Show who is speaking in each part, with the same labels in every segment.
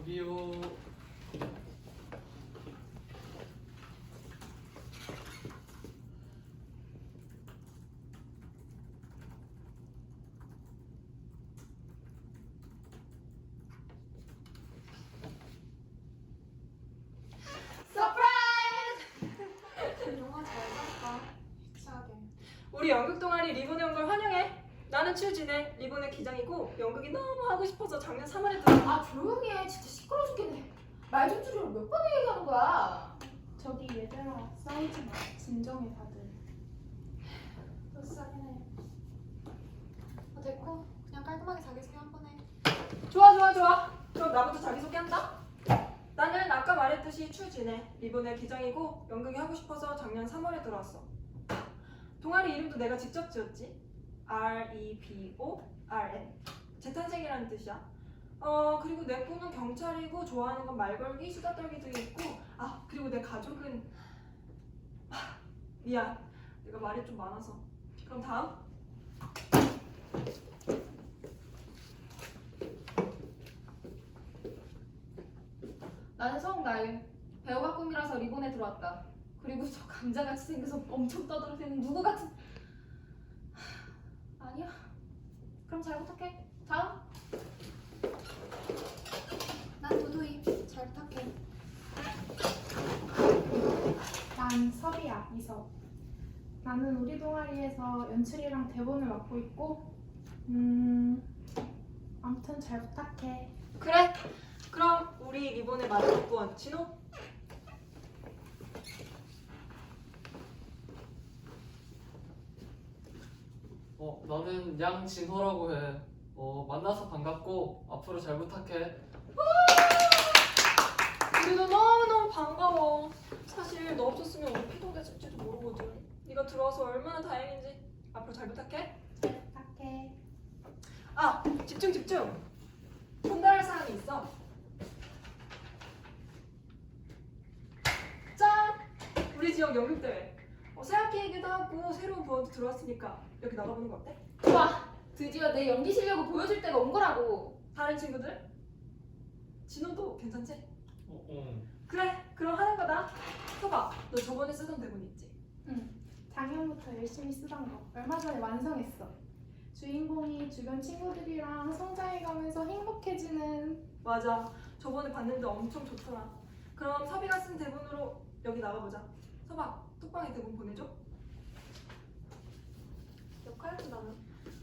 Speaker 1: 저기요.
Speaker 2: 영화 잘 봤다. 유치하게.
Speaker 3: 우리 연극 동아리 리본에 온 걸 환영해. 나는 최진애, 리본의 기장이고 연극이 너무 하고 싶어서 작년 3월에 들어.
Speaker 2: 아 조용히 해. 진짜 시끄러 죽겠네. 말 좀 줄이고 몇 번을 얘기하는 거야.
Speaker 4: 저기 얘들아 싸우지 마. 진정해 다들.
Speaker 2: 불쌍해. 됐고 그냥 깔끔하게 자기소개 한 번 해.
Speaker 3: 좋아. 그럼 나부터 자기소개한다. 나는 아까 말했듯이 추진애, 리본의 기장이고 연극이 하고 싶어서 작년 3월에 들어왔어. 동아리 이름도 내가 직접 지었지. REBORN. 재탄생이라는 뜻이야. 그리고 내 꿈은 경찰이고 좋아하는 건 말 걸기, 수다 떨기도 있고. 그리고 내 가족은 미안. 내가 말이 좀 많아서. 그럼 다음.
Speaker 2: 나는 성나윤. 배우가 꿈이라서 리본에 들어왔다. 그리고 저 감자같이 생겨서 엄청 떠들어대는 누구 같은... 아니야. 그럼 잘 부탁해. 다음. 난 도도이. 잘 부탁해.
Speaker 4: 난 설이야 이섭. 나는 우리 동아리에서 연출이랑 대본을 맡고 있고 아무튼 잘 부탁해.
Speaker 3: 그래. 그럼 우리 리본의 마지막 분 진호.
Speaker 1: 나는 양진호라고 해. 만나서 반갑고 앞으로 잘 부탁해.
Speaker 3: 우리도 너무너무 반가워. 사실 너 없었으면 우리 피동됐을지도 모르거든. 네가 들어와서 얼마나 다행인지. 앞으로 잘 부탁해.
Speaker 4: 잘 부탁해.
Speaker 3: 집중. 전달할 사람이 있어. 짠! 우리 지역 연극대회. 새학기이기도 하고 새로운 부원도 들어왔으니까 여기 나가보는 거 어때?
Speaker 2: 좋아. 드디어 내 연기 실력을 보여줄 때가 온 거라고.
Speaker 3: 다른 친구들? 진호도 괜찮지?
Speaker 1: 어.
Speaker 3: 그래, 그럼 하는 거다. 서봐, 너 저번에 쓰던 대본 있지?
Speaker 4: 작년부터 열심히 쓰던 거 얼마 전에 완성했어. 주인공이 주변 친구들이랑 성장해가면서 행복해지는.
Speaker 3: 맞아, 저번에 봤는데 엄청 좋더라. 그럼 섭이가 쓴 대본으로 여기 나가보자. 서봐, 톡방에 대본 보내줘.
Speaker 2: 역할은 나는.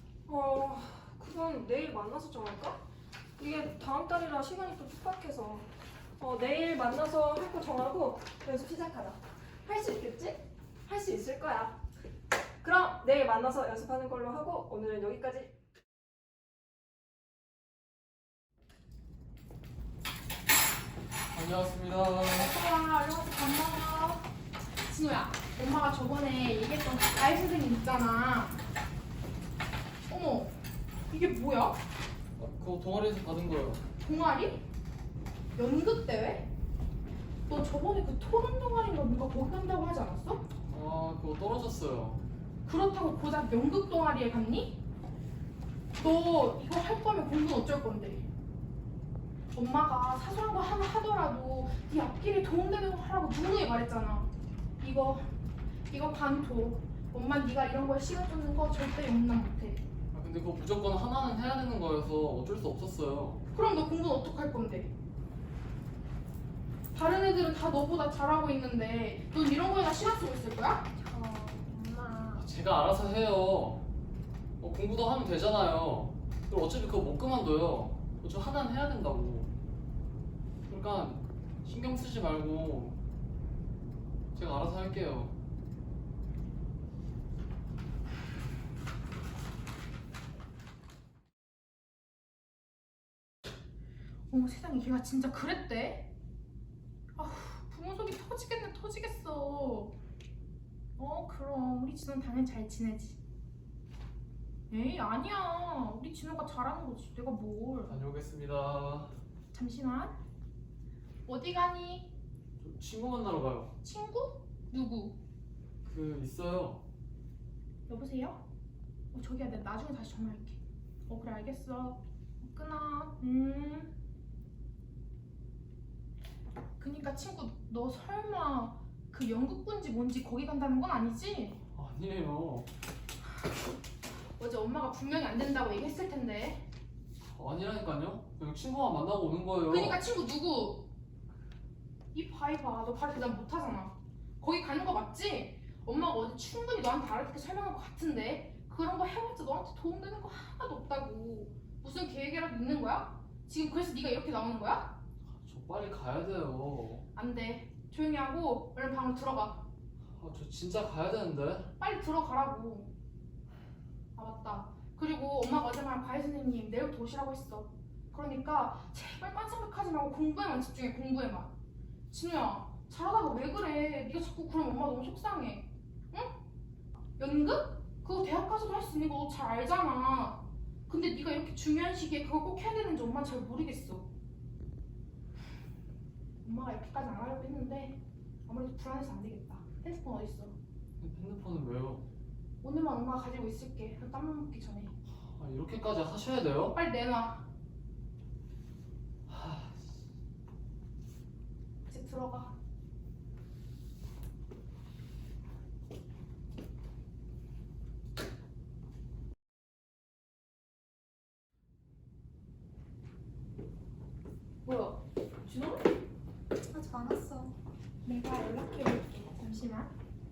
Speaker 3: 그럼 내일 만나서 정할까? 이게 다음 달이라 시간이 또 촉박해서. 내일 만나서 할 거 정하고 연습 시작하자. 할 수 있겠지? 할 수 있을 거야. 그럼 내일 만나서 연습하는 걸로 하고 오늘은 여기까지.
Speaker 1: 다녀왔습니다.
Speaker 4: 얘들아 얼른 와서 밥 먹어. 진호야, 엄마가 저번에 얘기했던 그 가을 선생님 있잖아. 어머, 이게 뭐야?
Speaker 1: 그거 동아리에서 받은 거예요.
Speaker 4: 동아리? 연극대회? 너 저번에 그 토론 동아리인가 뭔가 거기 간다고 하지 않았어?
Speaker 1: 그거 떨어졌어요.
Speaker 4: 그렇다고 고작 연극 동아리에 갔니? 너 이거 할 거면 공부는 어쩔 건데? 엄마가 사소한 거 하나 하더라도 네 앞길에 도움되는 거 하라고 누누이 말했잖아. 이거 반토. 엄마 네가 이런 거에 시간 쫓는 거 절대 용납 못해.
Speaker 1: 근데 그거 무조건 하나는 해야 되는 거여서 어쩔 수 없었어요.
Speaker 4: 그럼 너 공부는 어떡할 건데? 다른 애들은 다 너보다 잘하고 있는데 넌 이런 거에다 시간 쓰고 있을 거야?
Speaker 2: 엄마.
Speaker 1: 제가 알아서 해요. 공부도 하면 되잖아요. 그리고 어차피 그거 못 그만둬요. 저 하나는 해야 된다고. 그러니까 신경 쓰지 말고 제가 알아서 할게요.
Speaker 4: 어머 세상에 걔가 진짜 그랬대? 아휴 부모 속이 터지겠어. 그럼 우리 진호는 당연히 잘 지내지. 에이 아니야, 우리 진호가 잘하는 거지. 내가 뭘.
Speaker 1: 다녀오겠습니다.
Speaker 4: 잠시만. 어디 가니?
Speaker 1: 저 친구 만나러 가요.
Speaker 4: 친구? 누구?
Speaker 1: 있어요.
Speaker 4: 여보세요? 저기야, 내가 나중에 다시 전화할게. 그래 알겠어. 끊어. 그니까 친구 너 설마 그 영국군지 뭔지 거기 간다는 건 아니지?
Speaker 1: 아니에요.
Speaker 4: 어제 엄마가 분명히 안 된다고 얘기했을 텐데.
Speaker 1: 아니라니까요. 그냥 친구만 만나고 오는 거예요.
Speaker 4: 그니까 친구 누구? 이 바이바 너 바로 대답 못하잖아. 거기 가는 거 맞지? 엄마가 어제 충분히 너한테 알아듣게 설명한 것 같은데 그런 거 해봤자 너한테 도움되는 거 하나도 없다고. 무슨 계획이라도 있는 거야? 지금 그래서 네가 이렇게 나오는 거야?
Speaker 1: 저 빨리 가야 돼요.
Speaker 4: 안 돼. 조용히 하고 얼른 방으로 들어가.
Speaker 1: 저 진짜 가야 되는데.
Speaker 4: 빨리 들어가라고. 아 맞다. 그리고 엄마가 어제 말한 과외 선생님 내일부터 오시라고 했어. 그러니까 제발 딴 생각하지 말고 공부에만 집중해. 공부에만. 진우야 잘하다가 왜 그래? 네가 자꾸 그러면 엄마 너무 속상해. 응? 연극? 그거 대학 가서도 할 수 있는 거 너 잘 알잖아. 근데 네가 이렇게 중요한 시기에 그걸 꼭 해야 되는지 엄마는 잘 모르겠어. 엄마가 이렇게까지 안 하려고 했는데 아무래도 불안해서 안 되겠다. 핸드폰 어딨어?
Speaker 1: 핸드폰은 왜요?
Speaker 4: 오늘만 엄마가 가지고 있을게. 그 땀 먹기 전에.
Speaker 1: 이렇게까지 하셔야 돼요?
Speaker 4: 빨리 내놔. 이제 들어가. 뭐야? 진호?
Speaker 2: 아직 안 왔어.
Speaker 4: 내가 연락해볼게. 잠시만.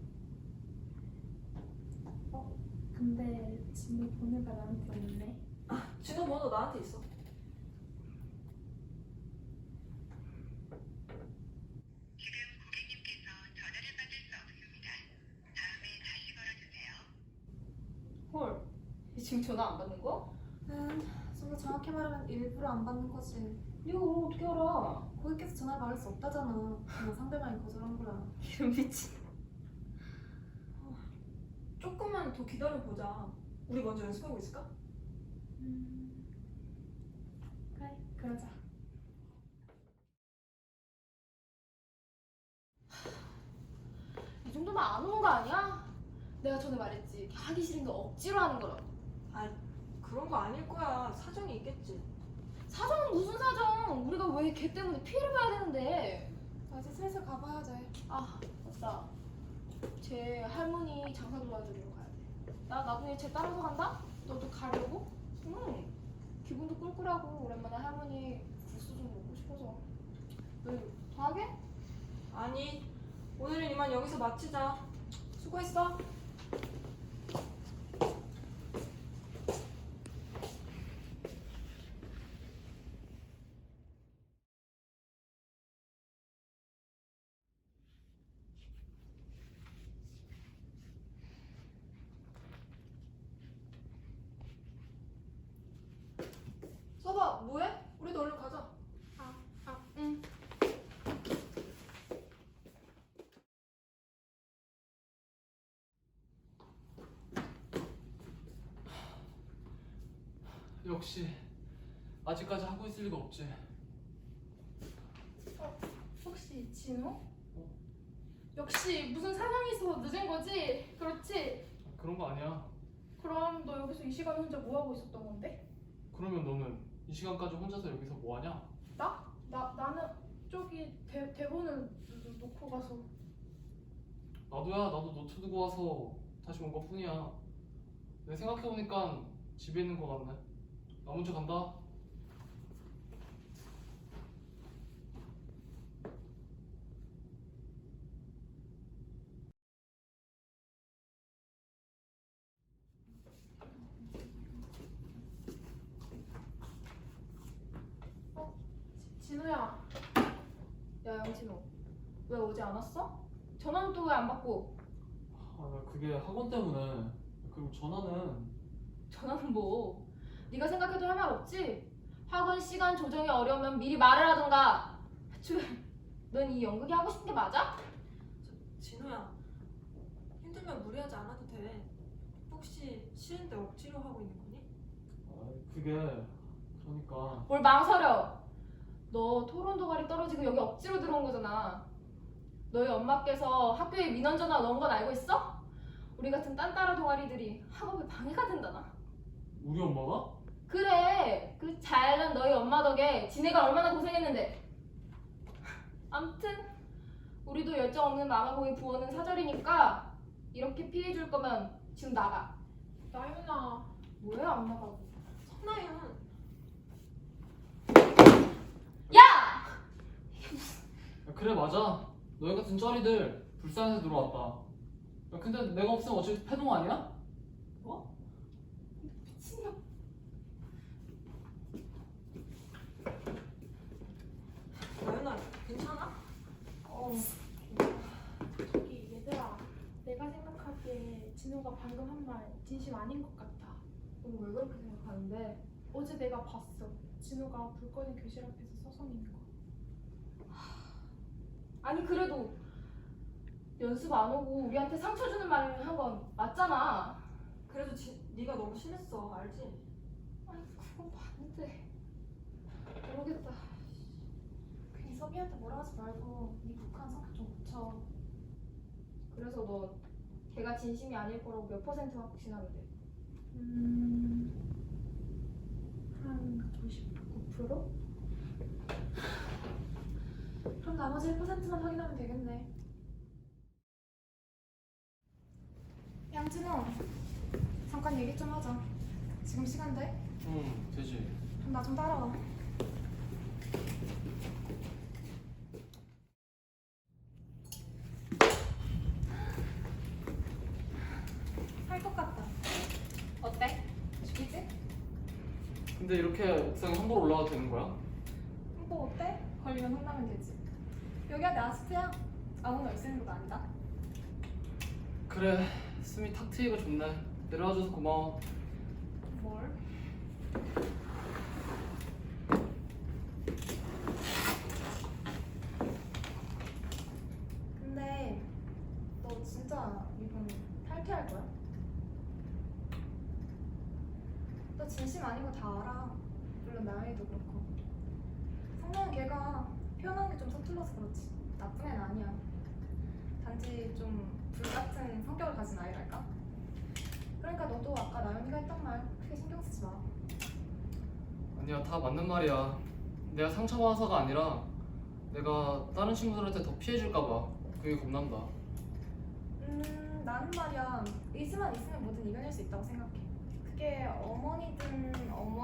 Speaker 4: 근데 진호 번호가 나한테 없네.
Speaker 3: 진호 번호 나한테 있어.
Speaker 5: 지금 고객님께서 전화를 받을 수 없습니다. 다음에 다시 걸어주세요.
Speaker 2: 헐. 지금 전화 안 받는 거?
Speaker 6: 좀 더 정확히 말하면 일부러 안 받는 거지.
Speaker 2: 네가 그걸 어떻게 알아?
Speaker 6: 고객께서 전화를 받을 수 없다잖아. 그냥 상대방이 거절한 거야.
Speaker 2: 이런 미친.
Speaker 3: 조금만 더 기다려보자. 우리 먼저 연습하고 있을까?
Speaker 4: 그래, 그러자.
Speaker 2: 이 정도면 안 오는 거 아니야? 내가 전에 말했지. 하기 싫은 거 억지로 하는 거라고.
Speaker 3: 그런 거 아닐 거야. 사정이 있겠지.
Speaker 2: 사정은 무슨 사정? 우리가 왜 걔 때문에 피해를 봐야 되는데?
Speaker 6: 나 이제 슬슬 가봐야 돼.
Speaker 2: 아, 맞다. 쟤 할머니 장사 도와주러 가야 돼. 나 나중에 쟤 따라서 간다? 너도 가려고? 응. 기분도 꿀꿀하고 오랜만에 할머니 국수 좀 먹고 싶어서. 너 이거 더 하게?
Speaker 3: 아니, 오늘은 이만 여기서 마치자. 수고했어. 써봐, 뭐해? 우리도 얼른 가자.
Speaker 4: 응.
Speaker 1: 역시 아직까지 하고 있을 리가 없지.
Speaker 4: 혹시 진호? 역시 무슨 사정이 있어서 늦은 거지? 그렇지?
Speaker 1: 그런 거 아니야.
Speaker 4: 그럼 너 여기서 이 시간에 혼자 뭐 하고 있었던 건데?
Speaker 1: 그러면 너는 이 시간까지 혼자서 여기서 뭐 하냐?
Speaker 4: 나는 저기 대본을 놓고 가서.
Speaker 1: 나도야. 나도 노트 두고 와서 다시 온 것뿐이야. 내 생각해보니까 집에 있는 거 같네. 나 먼저 간다.
Speaker 4: 진호야.
Speaker 2: 야, 양진호. 왜 어제 안 왔어? 전화는 또 왜 안 받고?
Speaker 1: 나 그게 학원 때문에. 그리고 전화는
Speaker 2: 전화는 뭐? 네가 생각해도 할 말 없지? 학원 시간 조정이 어려우면 미리 말을 하던가. 애초에 넌 이 연극이 하고 싶은 게 맞아?
Speaker 3: 진호야, 힘들면 무리하지 않아도 돼. 혹시 싫은데 억지로 하고 있는 거니?
Speaker 1: 그게 그러니까
Speaker 2: 뭘 망설여? 너 토론 도가리 떨어지고 여기 억지로 들어온 거잖아. 너희 엄마께서 학교에 민원 전화 넣은 건 알고 있어? 우리 같은 딴따라 동아리들이 학업에 방해가 된다나?
Speaker 1: 우리 엄마가?
Speaker 2: 그래, 그 잘난 너희 엄마 덕에 지네가 얼마나 고생했는데. 암튼 우리도 열정 없는 마마보이 부원은 사절이니까 이렇게 피해줄 거면 지금 나가.
Speaker 4: 나윤아.
Speaker 2: 뭐야 안 나가고.
Speaker 3: 나윤.
Speaker 2: 야!
Speaker 1: 야, 그래 맞아. 너희 같은 쩌리들 불쌍해서 들어왔다. 야, 근데 내가 없으면 어차피 패동 아니야?
Speaker 2: 미친년.
Speaker 3: 나윤아, 괜찮아?
Speaker 4: 저기 얘들아. 내가 생각하기에 진우가 방금 한 말 진심 아닌 것 같아.
Speaker 2: 넌 왜 그렇게 생각하는데?
Speaker 4: 어제 내가 봤어. 진우가 불 꺼진 교실 앞에서 서성이는 거.
Speaker 2: 아니 그래도 연습 안 오고 우리한테 상처 주는 말을 한 건 맞잖아.
Speaker 3: 그래도 네가 너무 심했어, 알지?
Speaker 2: 아니 그건 봤는데 모르겠다.
Speaker 6: 괜히 섭이한테 뭐라 하지 말고 네 북한 성격 좀 고쳐.
Speaker 2: 그래서 너 걔가 진심이 아닐 거라고 몇 퍼센트 확신하는데?
Speaker 6: 한 99%? 그럼 나머지 1%만 확인하면 되겠네. 양진호, 잠깐 얘기 좀 하자. 지금 시간 돼?
Speaker 1: 응 되지.
Speaker 6: 그럼 나 좀 따라와. 할 것 같다.
Speaker 2: 어때?
Speaker 6: 죽이지?
Speaker 1: 근데 이렇게 옥상에 함부로 올라가도 되는 거야?
Speaker 6: 뭐 어때? 걸리면 혼나면 되지. 여기가 내 아스트야. 아무나 올 수 있는 것도 아니다.
Speaker 1: 그래 숨이 탁 트이고 좋네. 내려와줘서 고마워.
Speaker 6: 뭘? 근데 너 진짜 이번 탈퇴할 거야? 너 진심 아닌 거 다 알아. 물론 나연이도 그렇고. 성명은 걔가 표현하는 게 좀 서툴러서 그렇지. 나쁜 애는 아니야. 단지 좀 불같은 성격을 가진 아이랄까? 그러니까 너도 아까 나연이가 했던 말 크게 신경 쓰지 마.
Speaker 1: 아니야 다 맞는 말이야. 내가 상처받아서가 아니라 내가 다른 친구들한테 더 피해줄까봐 그게 겁난다.
Speaker 6: 나는 말이야 의지만 있으면 뭐든 이겨낼 수 있다고 생각해. 그게 어머니든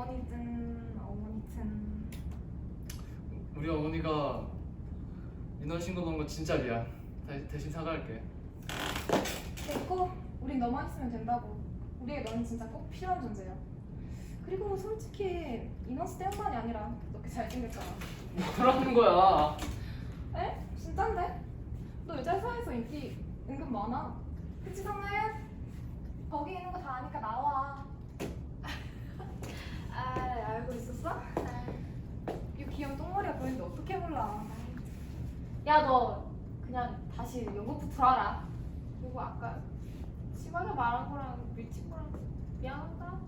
Speaker 1: 우리 어머니가 민원 신고 넣은 거 진짜 미안. 대신 사과할게.
Speaker 6: 됐고 우린 너만 있으면 된다고. 우리에게 너는 진짜 꼭 필요한 존재야. 그리고 솔직히 인원수 때문만이 아니라 너 꽤 잘생겼잖아.
Speaker 1: 뭐라는 거야?
Speaker 6: 에? 진짠데? 너 여자 사이에서 인기 은근 많아. 그치 성나연? 거기 있는 거 다 아니까 나와. 아 알고 있었어? 이 귀여운 똥머리가 보이는데 어떻게 몰라.
Speaker 2: 야 너 그냥 다시 연극부 들어와라. 그리고 아까 시바가 말한 거랑 밀친 거랑 미안하다.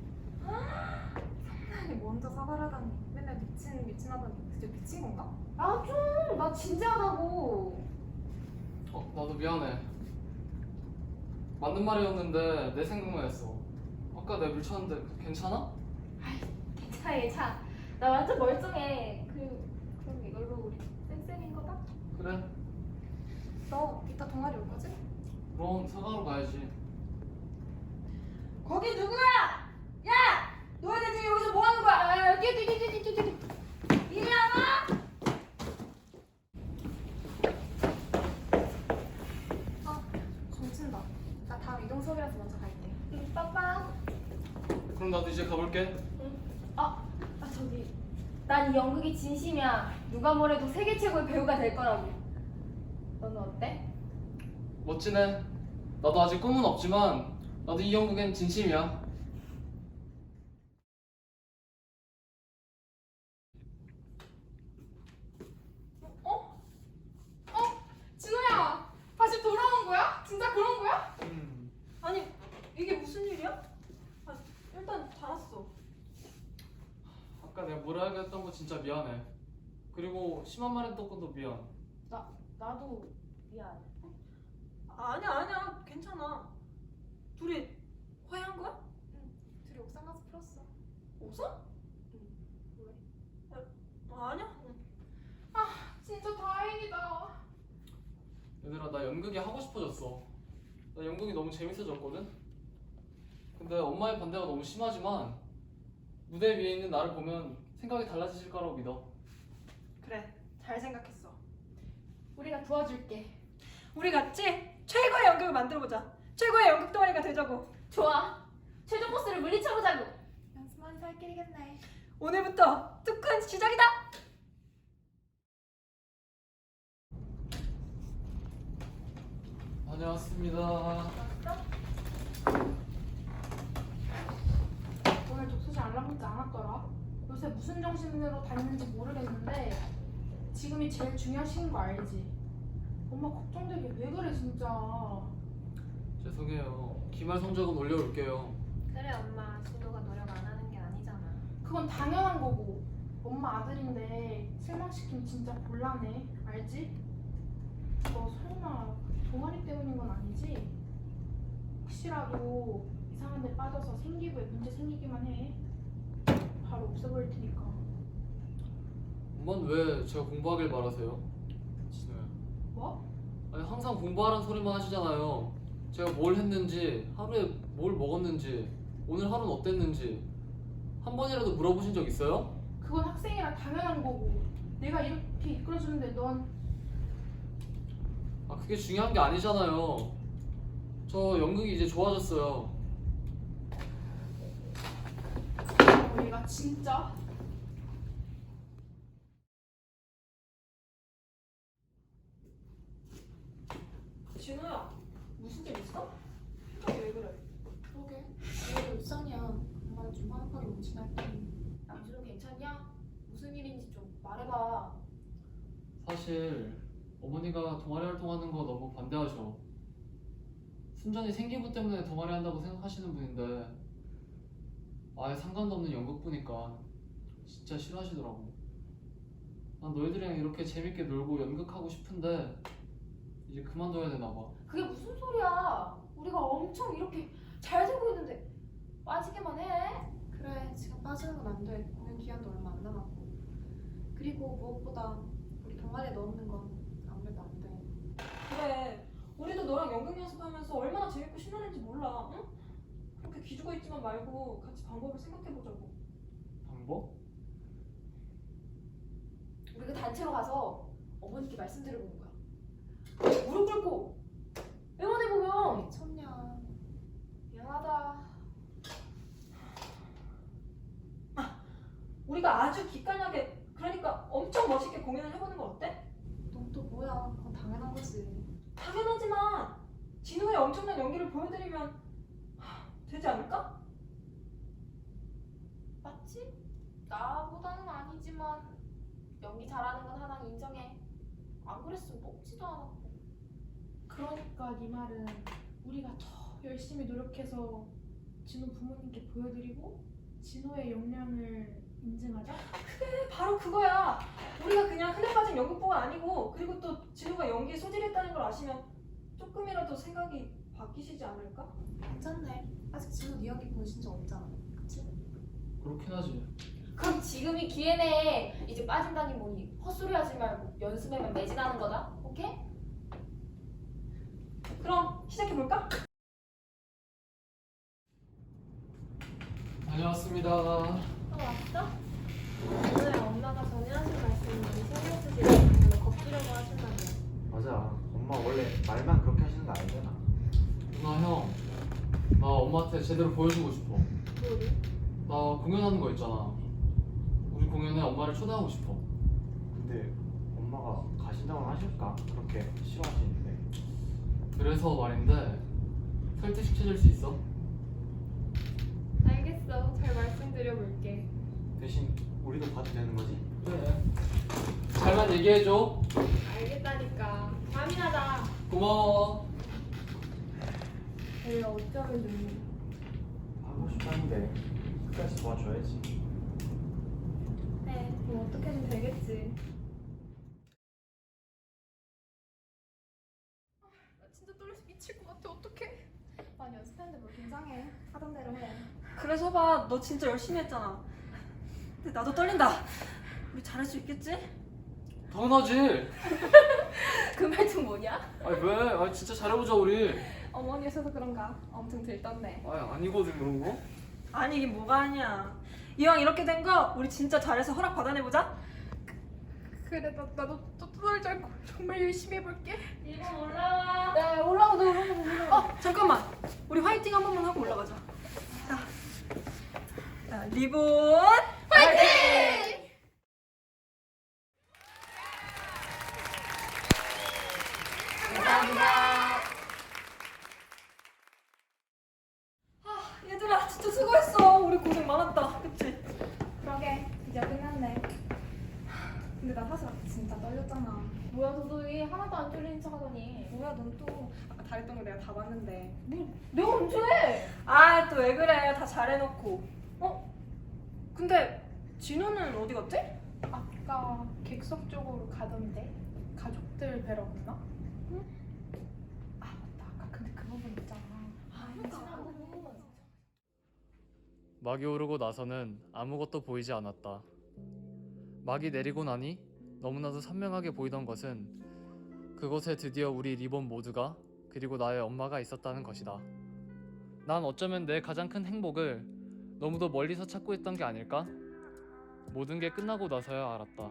Speaker 6: 성나연이 먼저 사과를 하다니. 맨날 미친 하더니 진짜 미친 건가?
Speaker 2: 나 진지하다고.
Speaker 1: 나도 미안해. 맞는 말이었는데 내 생각만 했어. 아까 내가 밀쳤는데 괜찮아?
Speaker 2: 괜찮아. 나 완전 멀쩡해. 그럼 이걸로 우리 쌩쌩인 거다?
Speaker 1: 그래.
Speaker 6: 너 이따 동아리 올 거지?
Speaker 1: 그럼 사과하러 가야지.
Speaker 3: 거기 누구야? 야! 너희들 지금 여기서 뭐 하는 거야?
Speaker 2: 뛰어.
Speaker 3: 이리 와봐!
Speaker 6: 정친다. 나 다음 이동 수업이라서 먼저 갈게.
Speaker 2: 빠빠.
Speaker 1: 그럼 나도 이제 가볼게.
Speaker 2: 저기 난 이 연극이 진심이야. 누가 뭐래도 세계 최고의 배우가 될 거라고. 너는 어때?
Speaker 1: 멋지네. 나도 아직 꿈은 없지만 나도 이 연극엔 진심이야.
Speaker 4: 진우야. 다시 돌아온 거야? 진짜 그런 거야?
Speaker 3: 아니, 이게 무슨 일이야? 일단 잘 왔어.
Speaker 1: 아까 내가 뭐라 하게 했던 거 진짜 미안해. 그리고 심한 말 했던 것도 미안.
Speaker 2: 나도 미안.
Speaker 3: 아니야. 괜찮아. 둘이 화해한 거야?
Speaker 6: 둘이 옥상 가서 풀었어.
Speaker 3: 웃어?
Speaker 6: 왜?
Speaker 3: 아니야.
Speaker 4: 진짜 다행이다.
Speaker 1: 연극이 하고 싶어졌어. 나 연극이 너무 재밌어졌거든? 근데 엄마의 반대가 너무 심하지만 무대 위에 있는 나를 보면 생각이 달라지실 거라고 믿어.
Speaker 3: 그래, 잘 생각했어.
Speaker 4: 우리가 도와줄게.
Speaker 3: 우리 같이 최고의 연극을 만들어보자. 최고의 연극 동아리가 되자고.
Speaker 2: 좋아. 최종 보스를 물리쳐보자고.
Speaker 6: 연습만 살 길이겠네.
Speaker 3: 오늘부터 특훈 시작이다.
Speaker 1: 다녀왔습니다.
Speaker 4: 오늘 독서실 알람 문자 안 왔더라. 요새 무슨 정신으로 다니는지 모르겠는데 지금이 제일 중요한 시기인 거 알지? 엄마 걱정되게 왜 그래 진짜.
Speaker 1: 죄송해요. 기말 성적은 올려올게요.
Speaker 6: 그래 엄마, 진호가 노력 안 하는 게 아니잖아.
Speaker 4: 그건 당연한 거고 엄마 아들인데 실망시키면 진짜 곤란해. 알지? 너 설마 동아리 때문인 건 아니지? 혹시라도 이상한 데 빠져서 생기부에 문제 생기기만 해. 바로 없애버릴 테니까.
Speaker 1: 엄마는 왜 제가 공부하길 바라세요? 진호야.
Speaker 4: 뭐?
Speaker 1: 아니 항상 공부하라는 소리만 하시잖아요. 제가 뭘 했는지, 하루에 뭘 먹었는지, 오늘 하루는 어땠는지 한 번이라도 물어보신 적 있어요?
Speaker 4: 그건 학생이라 당연한 거고 내가 이렇게 이끌어주는데 넌
Speaker 1: 아 그게 중요한 게 아니잖아요. 저 연극이 이제 좋아졌어요.
Speaker 4: 얘가 진짜
Speaker 3: 진호야, 무슨 일 있어? 표정이 왜 그래?
Speaker 6: 그러게, 왜 울상이야. 엄마는 좀 화nap하게 뭉친할게.
Speaker 2: 남준호 괜찮냐? 무슨 일인지 좀 말해봐.
Speaker 1: 사실 어머니가 동아리 활동하는 거 너무 반대하셔. 순전히 생기부 때문에 동아리 한다고 생각하시는 분인데 아예 상관도 없는 연극 보니까 진짜 싫어하시더라고. 난 너희들이랑 이렇게 재밌게 놀고 연극하고 싶은데 이제 그만둬야 되나 봐.
Speaker 2: 그게 무슨 소리야? 우리가 엄청 이렇게 잘 되고 있는데 빠지기만 해.
Speaker 6: 그래, 지금 빠지는 건 안 돼. 공연 기한도 얼마 안 남았고. 그리고 무엇보다 우리 동아리에 넣는 건 아무래도 안 돼.
Speaker 3: 그래, 우리도 너랑 연극 연습하면서 얼마나 재밌고 신나는지 몰라. 응? 그렇게 기죽어 있지만 말고 같이 방법을 생각해보자고.
Speaker 1: 방법?
Speaker 2: 우리가 단체로 가서 어머니께 말씀드려보는 거야. 무릎 꿇고 응원해보면
Speaker 6: 미쳤냐.
Speaker 2: 미안하다.
Speaker 3: 우리가 아주 기깔나게, 그러니까 엄청 멋있게 공연을 해보는 건 어때?
Speaker 6: 넌 또 뭐야. 그건 당연한 거지.
Speaker 3: 당연하지만 진호의 엄청난 연기를 보여드리면 되지 않을까?
Speaker 2: 맞지? 나보다는 아니지만 연기 잘하는 건 하나 인정해. 안 그랬으면 뽑지도 않았고.
Speaker 4: 그러니까 네 말은 우리가 더 열심히 노력해서 진호 부모님께 보여드리고 진호의 역량을 인증하자?
Speaker 3: 그래, 바로 그거야. 우리가 그냥 흔해 빠진 연극부가 아니고, 그리고 또 진호가 연기에 소질이 있다는 걸 아시면 조금이라도 생각이 바뀌시지 않을까?
Speaker 6: 괜찮네. 아직 진호 네 연기 보여준 적 없잖아. 그치?
Speaker 1: 그렇긴 하지.
Speaker 2: 그럼 지금이 기회네. 이제 빠진다니 뭐니 헛소리 하지 말고 연습에만 매진하는 거다. 오케이?
Speaker 3: 그럼 시작해볼까?
Speaker 1: 다녀왔습니다.
Speaker 6: 왔어? 오늘 엄마가 전에 하신 말씀 많이 신경 쓰시고 별로 겁주려고 하신다며.
Speaker 7: 맞아. 엄마 원래 말만 그렇게 하시는 거 아니잖아.
Speaker 1: 누나 형, 나 엄마한테 제대로 보여주고 싶어.
Speaker 6: 뭐를?
Speaker 1: 나 공연하는 거 있잖아. 우리 공연에 엄마를 초대하고 싶어.
Speaker 7: 근데 엄마가 가신다고 하실까? 그렇게 싫어하시는데.
Speaker 1: 그래서 말인데 설득시켜줄 수 있어?
Speaker 6: 알겠어. 잘 말씀드려볼게.
Speaker 7: 대신 우리도 봐도 되는 거지?
Speaker 1: 그래. 잘만 얘기해줘.
Speaker 6: 알겠다니까. 잠이나자.
Speaker 1: 고마워.
Speaker 6: 내가 어쩌면 좋니?
Speaker 7: 하고 싶다는데 끝까지 도와줘야지.
Speaker 6: 네, 뭐 어떻게든 되겠지.
Speaker 4: 나 진짜 떨려서 미칠 것 같아. 어떡해?
Speaker 6: 많이 연습했는데 뭘 긴장해. 하던 대로 해.
Speaker 3: 그래서 봐, 너 진짜 열심히 했잖아. 근데 나도 떨린다. 우리 잘할 수 있겠지?
Speaker 1: 당연하지.
Speaker 3: 그 말투 뭐냐?
Speaker 1: 아니 왜? 아니 진짜 잘해보자 우리.
Speaker 3: 어머니 오셔서 그런가 엄청 들떴네.
Speaker 1: 아니 아니거든 그런 거.
Speaker 3: 아니 이게 뭐가 아니야. 이왕 이렇게 된 거 우리 진짜 잘해서 허락 받아내보자.
Speaker 4: 그래 나도 또 정말 열심히 해볼게.
Speaker 2: 이번 올라와.
Speaker 3: 네 올라가자 올라가자. 잠깐만 우리 화이팅 한 번만 하고 올라가자. 자 리본 화이팅! 아 얘들아 진짜 수고했어. 우리 고생 많았다. 그치?
Speaker 6: 그러게 이제 끝났네. 근데 나 사실 아까 진짜 떨렸잖아.
Speaker 2: 뭐야 도도이 하나도 안 쫄리는 척하더니.
Speaker 6: 뭐야 넌 또 아까 잘했던 거 내가 다 봤는데.
Speaker 2: 내가 언제?
Speaker 3: 아 또 왜 그래. 다 잘해놓고. 근데 진우는 어디 갔지?
Speaker 4: 아까 객석 쪽으로 가던데 가족들 뵈러 갔나? 응? 아 맞다 아까 근데 그 부분 있잖아.
Speaker 1: 막이 오르고 나서는 아무것도 보이지 않았다. 막이 내리고 나니 너무나도 선명하게 보이던 것은 그곳에 드디어 우리 리본 모두가 그리고 나의 엄마가 있었다는 것이다. 난 어쩌면 내 가장 큰 행복을 너무도 멀리서 찾고 있던 게 아닐까? 모든 게 끝나고 나서야 알았다.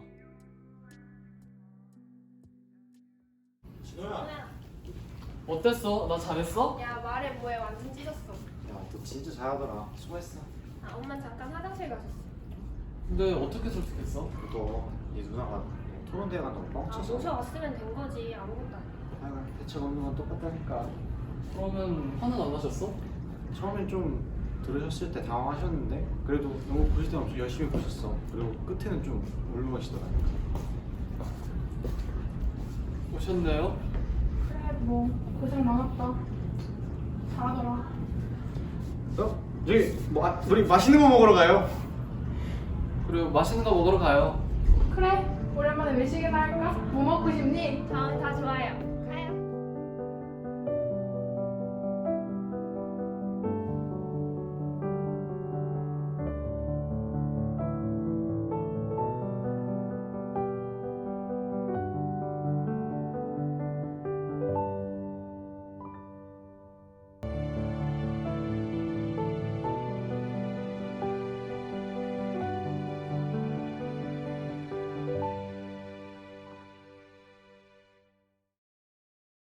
Speaker 7: 진호야.
Speaker 1: 어땠어? 나 잘했어?
Speaker 2: 야 말해 뭐해 완전 찢었어.
Speaker 7: 야, 너 진짜 잘하더라. 수고했어.
Speaker 2: 아 엄마 잠깐 화장실 가셨어.
Speaker 1: 근데 어떻게 설득했어?
Speaker 7: 너얘 누나가 토론대회 간다고
Speaker 2: 아
Speaker 7: 뻥쳤어.
Speaker 2: 모셔왔으면 된 거지 아무것도 아니야.
Speaker 7: 하여간 대책 없는 건 똑같다니까.
Speaker 1: 그러면 화는 안 나셨어?
Speaker 7: 처음엔 좀 들으셨을 때 당황하셨는데 그래도 너무 보실 때 엄청 열심히 보셨어. 그리고 끝에는 좀 울먹이시더라고요.
Speaker 1: 오셨네요?
Speaker 4: 그래 뭐 고생 많았다. 잘하더라.
Speaker 7: 저기 뭐 우리 맛있는 거 먹으러 가요.
Speaker 1: 그리고 맛있는 거 먹으러 가요.
Speaker 4: 그래 오랜만에 외식이나 할까? 뭐 먹고 싶니?
Speaker 2: 다 좋아요.